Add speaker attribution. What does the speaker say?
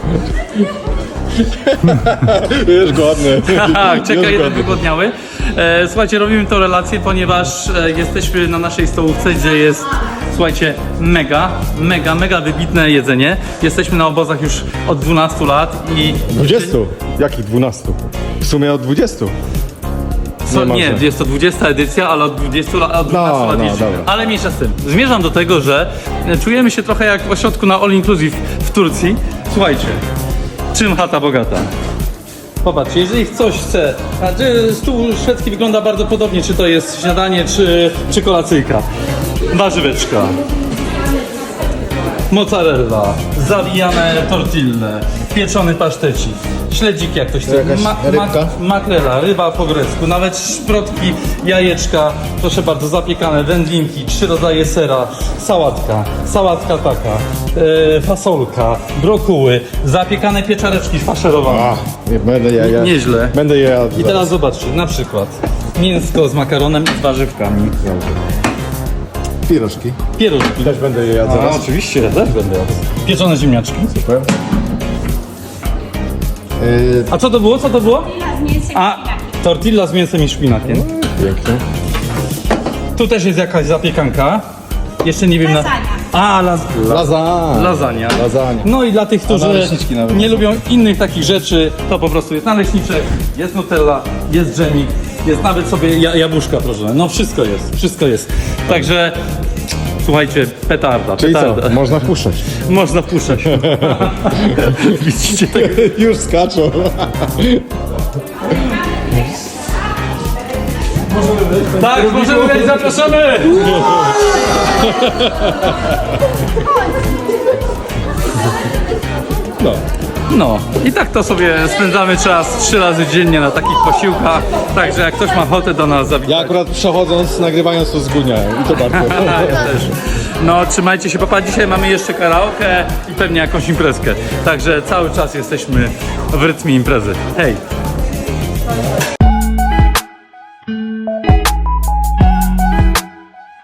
Speaker 1: Już głodny.
Speaker 2: czeka jeden wygłodniały. Słuchajcie, robimy to relację, ponieważ jesteśmy na naszej stołówce, gdzie jest, słuchajcie, mega wybitne jedzenie. Jesteśmy na obozach już od 12 lat i...
Speaker 1: 20? Jakich 12? W sumie od 20.
Speaker 2: Nie, jest to 20 edycja, ale od 20 lat, od 12 lat jeździmy.
Speaker 1: dobra.
Speaker 2: Ale mniejsza z tym. Zmierzam do tego, że czujemy się trochę jak w ośrodku na All Inclusive w Turcji. Słuchajcie, czym chata bogata? Popatrzcie, jeżeli ktoś chce, stół szwedzki wygląda bardzo podobnie, czy to jest śniadanie, czy kolacyjka. Warzyweczka, mozzarella, zawijane tortille, pieczony pasztecik, śledzik jak ktoś chce,
Speaker 1: Jakaś rybka?
Speaker 2: makrela, ryba po grecku, nawet szprotki, jajeczka, proszę bardzo, zapiekane, wędlinki, 3 rodzaje sera, sałatka taka, fasolka, brokuły, zapiekane pieczareczki faszerowane.
Speaker 1: A, będę je.
Speaker 2: Nieźle.
Speaker 1: Będę je jadł.
Speaker 2: I teraz zobaczcie, na przykład mięsko z makaronem i z warzywkami.
Speaker 1: Pierożki.
Speaker 2: Pierożki.
Speaker 1: Też będę je jadł
Speaker 2: A,
Speaker 1: zaraz.
Speaker 2: oczywiście, ja też będę jadł. Pieczone ziemniaczki.
Speaker 1: Super.
Speaker 2: A co to było? Co to było? A, tortilla z mięsem i szpinakiem.
Speaker 1: Pięknie.
Speaker 2: Tu też jest jakaś zapiekanka. Jeszcze nie wiem na... A, lasagna.
Speaker 1: Lasagna.
Speaker 2: No i dla tych, którzy
Speaker 1: naleśniczki nawet
Speaker 2: nie
Speaker 1: są.
Speaker 2: lubią innych takich rzeczy, to po prostu jest naleśniczek, jest nutella, jest dżemik, jest nawet sobie jabłuszka proszone. No wszystko jest. Także słuchajcie, petarda.
Speaker 1: Czyli co? Można wpuszczać.
Speaker 2: Można wpuszczać. Widzicie tego?
Speaker 1: Już skaczą.
Speaker 2: Tak, możemy wejść, zapraszamy! No i tak to sobie spędzamy czas 3 razy dziennie na takich posiłkach, także jak ktoś ma ochotę do nas zawitać.
Speaker 1: Ja akurat przechodząc, nagrywając to zgłodniałem. I to bardzo.
Speaker 2: Ja też. No trzymajcie się, papa, dzisiaj mamy jeszcze karaoke i pewnie jakąś imprezkę, także cały czas jesteśmy w rytmie imprezy. Hej!